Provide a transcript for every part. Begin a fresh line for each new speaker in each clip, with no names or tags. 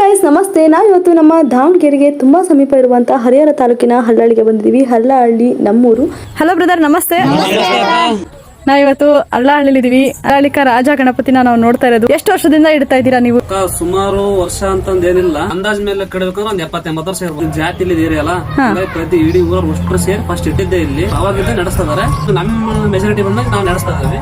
Guys ನಮಸ್ತೆ. ನಾವು ಇವತ್ತು ನಮ್ಮ ದಾವಣಗೆರೆಗೆ ತುಂಬಾ ಸಮೀಪ ಇರುವಂತಹ ಹರಿಹರ ತಾಲೂಕಿನ ಹಳ್ಳಹಳ್ಳಿಗೆ ಬಂದಿದ್ದೀವಿ. ಹಳ್ಳಹಳ್ಳಿ ನಮ್ಮೂರು. ಹಲೋ ಬ್ರದರ್, ನಮಸ್ತೆ. ನಾವಿವತ್ತು ಹಳ್ಳಹಳ್ಳಿಲಿದ್ದೀವಿ. ಹಳ್ಳಹಳ್ಳಿಕ ರಾಜ ಗಣಪತಿನ ನಾವು ನೋಡ್ತಾ ಇರೋದು. ಎಷ್ಟು ವರ್ಷದಿಂದ ಇಡ್ತಾ ಇದ್ದೀರಾ ನೀವು?
ಸುಮಾರು ವರ್ಷ ಅಂತಂದ ಏನಿಲ್ಲ, ಅಂದಾಜ್ ಮೇಲೆ ಕಡಿಬೇಕಂದ್ರೆ ಒಂದ್ 70-80 ವರ್ಷ ಇರ್ಬೋದು. ಜಾತಿ ಇಲ್ಲಿ ಅಲ್ಲ, ಪ್ರತಿ ಇಡೀ ಊರ ಅಷ್ಟು ಸೇರಿ ಫಸ್ಟ್ ಇಟ್ಟಿದ್ದೆ ಇಲ್ಲಿ. ಅವಾಗಿದ್ದ ನಡೆಸ್ತಾರೆ. ನಮ್ಮ ಮೆಜಾರಿಟಿ ಬಂದಾಗ ನಾವು ನಡೆಸ್ತಾ ಇದ್ದೀವಿ.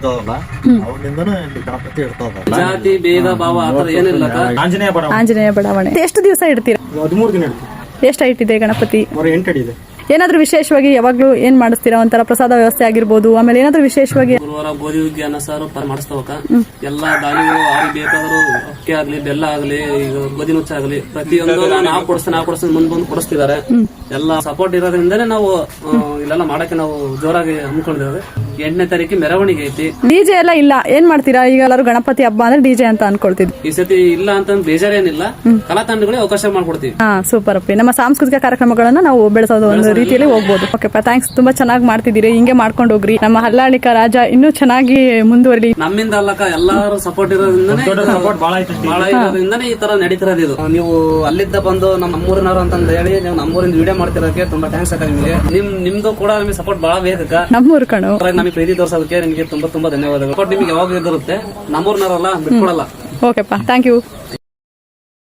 ಜಾತಿ ಭೇದ ಭಾವ ಆತರ ಏನಿಲ್ಲ.
ಆಂಜನೇಯ ಬಡಾವಣೆ. ಎಷ್ಟು ದಿವಸ ಇಡ್ತೀರಾ?
13 ದಿನ ಇಡ್ತೀವಿ.
ಎಷ್ಟು ಹೈಟ್ ಇದೆ ಗಣಪತಿ?
8 ಅಡಿ ಇದೆ.
ಏನಾದ್ರೂ ವಿಶೇಷವಾಗಿ ಯಾವಾಗ್ಲೂ ಏನ್ ಮಾಡಿಸ್ತೀರಾ? ಒಂಥರ ಪ್ರಸಾದ ವ್ಯವಸ್ಥೆ ಆಗಿರ್ಬೋದು, ಆಮೇಲೆ ಏನಾದ್ರೂ ವಿಶೇಷವಾಗಿ
ಗುರುವಾರ ಗೋಧಿ ಹುಗ್ಗಿ ಅನ್ನ ಸಾರು ಮಾಡಿಸ್ತಾವಕ ಎಲ್ಲಾ ದಾನಿಗಳು ಅವ್ರಿಗೆ ಬೇಕಾದ್ರು ಅಕ್ಕಿ ಆಗ್ಲಿ, ಬೆಲ್ಲ ಆಗ್ಲಿ, ಈಗ ಗೋಧಿ ನುಚ್ಚ ಆಗ್ಲಿ, ಪ್ರತಿಯೊಂದು ನಾವು ಕೊಡಿಸ್ತೀನಿ ಮುಂದ್ ಬಂದು ಕೊಡಿಸ್ತಿದ್ದಾರೆ. ಎಲ್ಲಾ ಸಪೋರ್ಟ್ ಇರೋದ್ರಿಂದನೇ ನಾವು ಇಲ್ಲೆಲ್ಲ ಮಾಡಕ್ಕೆ ನಾವು ಜೋರಾಗಿ ಹಮ್ಮಿಕೊಂಡಿದ್ದೇವೆ. 8ನೇ ತಾರೀಕು ಮೆರವಣಿಗೆ ಐತಿ.
ಡಿಜೆ ಎಲ್ಲ ಇಲ್ಲ, ಏನ್ ಮಾಡ್ತೀರಾ? ಈಗ ಎಲ್ಲರೂ ಗಣಪತಿ ಹಬ್ಬ ಅಂದ್ರೆ ಡಿಜೆ ಅಂತ ಅನ್ಕೊಳ್ತಿದ್ವಿ.
ಈ ಸತಿ ಇಲ್ಲ ಅಂತ ಬೇಜಾರೇನಿಲ್ಲ, ಕಲಾ ತಂಡಗಳಿಗೆ ಅವಕಾಶ ಮಾಡ್ಕೊಡ್ತೀವಿ.
ಸೂಪರ್ ಅಪ್ಪಿ. ನಮ್ಮ ಸಾಂಸ್ಕೃತಿಕ ಕಾರ್ಯಕ್ರಮಗಳನ್ನ ನಾವು ಬೆಳೆಸೋದು ಒಂದು ರೀತಿಯಲ್ಲಿ ಹೋಗ್ಬೋದು. ಓಕೆಪ್ಪ, ಥ್ಯಾಂಕ್ಸ್. ತುಂಬಾ ಚೆನ್ನಾಗಿ ಮಾಡ್ತಿದ್ದೀರಿ. ಹಿಂಗೆ ಮಾಡ್ಕೊಂಡು ಹೋಗ್ರಿ. ನಮ್ಮ ಹಳ್ಳಹಳ್ಳಿಕ ರಾಜ ಇನ್ನೂ ಚೆನ್ನಾಗಿ ಮುಂದುವರಿಲಿ.
ನಮ್ಮಿಂದ ಅಲ್ಲಕ ಎಲ್ಲಾರು ಸಪೋರ್ಟ್ ಇರೋದ್ರಿಂದನೇ ಈ ತರ ನಡೀತಿರೋದು. ಇದು ನೀವು ಅಲ್ಲಿದ್ದ ಬಂದು ನಮ್ಮೂರಿನವರು ಅಂತ ಹೇಳಿ ನೀವು ನಮ್ಮೂರಿಂದ ವಿಡಿಯೋ ಮಾಡ್ತಿರೋದಕ್ಕೆ ತುಂಬಾ ಥ್ಯಾಂಕ್ಸ್ ಅಕ್ಕ ನಿಮಗೆ. ನಿಮ್ದು ಕೂಡ ನಮಗೆ ಸಪೋರ್ಟ್ ಬಹಳ ಬೇಕಕ್ಕ.
ನಮ್ಮೂರು ಕಣು
ನಮಗೆ ಪ್ರೀತಿ ತೋರ್ಸೋದಕ್ಕೆ ನಿಮಗೆ ತುಂಬಾ ಧನ್ಯವಾದಗಳು. ನಿಮಗೆ ಯಾವಾಗ ಇರುತ್ತೆ, ನಮ್ಮೂರಿನವರಲ್ಲ ಬಿಟ್ಕೊಡಲ್ಲ.
ಓಕೆಪ್ಪ, ಥ್ಯಾಂಕ್ ಯು.